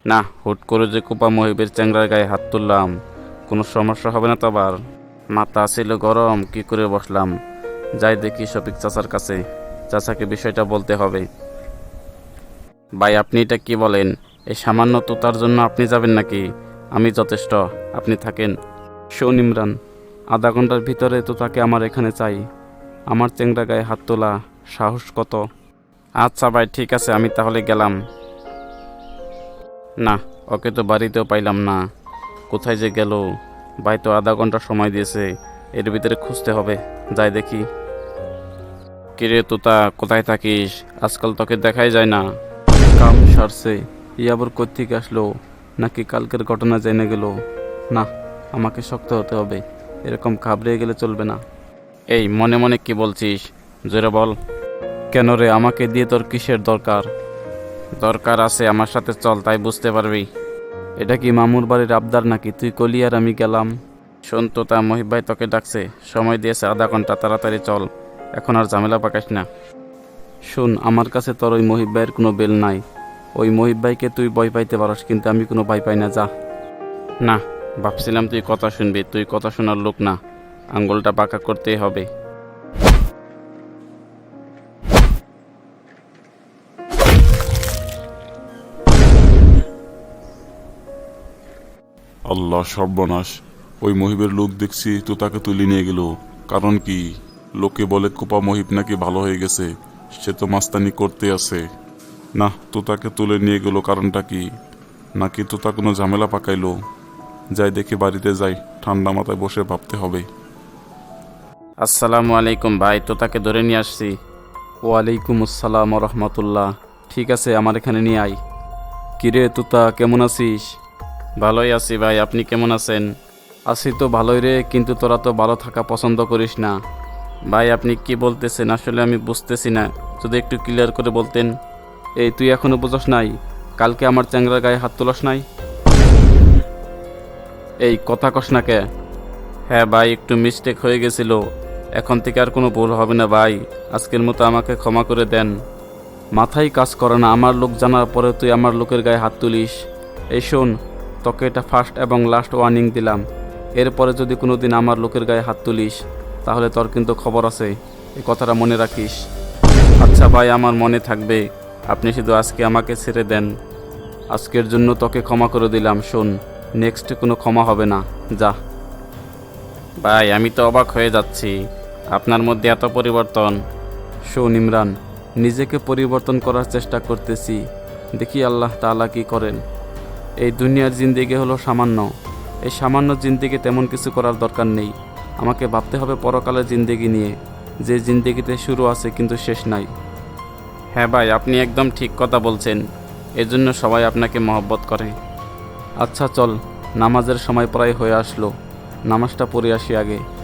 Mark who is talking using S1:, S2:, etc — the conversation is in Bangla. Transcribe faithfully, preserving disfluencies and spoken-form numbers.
S1: না, হুট করে যে কোপা মহিবের চ্যাংরার গায়ে হাত তুললাম, কোনো সমস্যা হবে না তো আবার? মাথা ছিল গরম, কি করে বসলাম। যাই দেখি শফিক চাচার কাছে, চাচাকে বিষয়টা বলতে হবে। ভাই আপনি এটা কি বলেন? এই সামান্য তোতার জন্য আপনি যাবেন নাকি? আমি যথেষ্ট, আপনি থাকেন। শোন ইমরান, আধা ঘন্টার ভিতরে তো তাকে আমার এখানে চাই। আমার চ্যাংরা গায়ে হাত তোলা সাহস কত! আচ্ছা ভাই, ঠিক আছে, আমি তাহলে গেলাম। না, ওকে তো বাড়িতেও পাইলাম না। কোথায় যে গেল? ভাই তো আধা ঘন্টা সময় দিয়েছে, এর ভিতরে খুঁজতে হবে। যাই দেখি। কিরে তোতা, কোথায় থাকিস? আজকাল তোকে দেখাই যায় না। কাম সারছে, ই আবার কোত্থেকে আসলো? নাকি কালকের ঘটনা জেনে গেল? না, আমাকে শক্ত হতে হবে, এরকম ঘাবড়ে গেলে চলবে না। এই মনে মনে কি বলছিস? জোরে বল। কেন রে, আমাকে দিয়ে তোর কিসের দরকার? দরকার আছে, আমার সাথে চল, তাই বুঝতে পারবি। এটা কি মামুর বাড়ির আবদার নাকি? তুই কলি আর আমি গেলাম। শোন তোতা, মহিব ভাই তোকে ডাকছে, সময় দিয়েছে আধা ঘন্টা, তাড়াতাড়ি চল, এখন আর ঝামেলা পাকাস না। শোন, আমার কাছে তোর ওই মহিব ভাইয়ের কোনো বেল নাই। ওই মহিব ভাইকে তুই ভয় পাইতে পারস, কিন্তু আমি কোনো ভয় পাই না, যা। না, ভাবছিলাম তুই কথা শুনবি, তুই কথা শোনার লোক না, আঙ্গুলটা বাঁকা করতেই হবে।
S2: আল্লাহ সর্বনাশ! ওই মহিবের লোক দেখছি তো তাকে তুলে নিয়ে গেল। কারণ কি? লোকে বলে কোপা মহিব নাকি ভালো হয়ে গেছে, সে তো মাস্তানি করতে আছে। না, তো তাকে তুলে নিয়ে গেল কারণটা কি? নাকি তো তা কোনো ঝামেলা পাকাইলো? যাই দেখি, বাড়িতে যাই, ঠান্ডা মাথায় বসে ভাবতে হবে।
S1: আসসালামু আলাইকুম ভাই, তো তাকে ধরে নিয়ে আসছি। ওয়ালাইকুম আসসালাম রহমতুল্লাহ। ঠিক আছে, আমার এখানে নিয়ে আয়। কিরে তুতা, কেমন আছিস? ভালোই আছি ভাই, আপনি কেমন আছেন? আছি তো ভালোই রে, কিন্তু তোরা তো ভালো থাকা পছন্দ করিস না। ভাই আপনি কি বলতেছেন? আসলে আমি বুঝতেছি না, যদি একটু ক্লিয়ার করে বলতেন। এই তুই এখনো বুঝস নাই? কালকে আমার চ্যাংরার গায়ে হাত তোলাস নাই? এই কথা কস না কে? হ্যাঁ ভাই, একটু মিস্টেক হয়ে গেছিল, এখন থেকে আর কোনো ভুল হবে না ভাই, আজকের মতো আমাকে ক্ষমা করে দেন। মাথায় কাজ করে না, আমার লোক জানার পরে তুই আমার লোকের গায়ে হাত তুলিস। এই শোন, তোকে এটা ফার্স্ট এবং লাস্ট ওয়ার্নিং দিলাম। এরপরে যদি কোনো দিন আমার লোকের গায়ে হাত তুলিস, তাহলে তোর কিন্তু খবর আছে, এই কথাটা মনে রাখিস। আচ্ছা ভাই, আমার মনে থাকবে, আপনি শুধু আজকে আমাকে ছেড়ে দেন। আজকের জন্য তোকে ক্ষমা করে দিলাম। শোন, নেক্সট কোনো ক্ষমা হবে না, যা। ভাই আমি তো অবাক হয়ে যাচ্ছি, আপনার মধ্যে এত পরিবর্তন। শোন ইমরান, নিজেকে পরিবর্তন করার চেষ্টা করতেছি, দেখি আল্লাহ তাআলা কি করেন। এই দুনিয়ার জিন্দেগি হলো সামান্য, এই সামান্য জিন্দেগি তেমন কিছু করার দরকার নেই। আমাকে ভাবতে হবে পরকালের জিন্দেগি নিয়ে, যে জিন্দেগিতে শুরু আছে কিন্তু শেষ নাই। হ্যাঁ ভাই, আপনি একদম ঠিক কথা বলছেন, এজন্য সবাই আপনাকে মহব্বত করে। আচ্ছা চল, নামাজের সময় প্রায় হয়ে আসলো, নামাজটা পড়ে আসি আগে।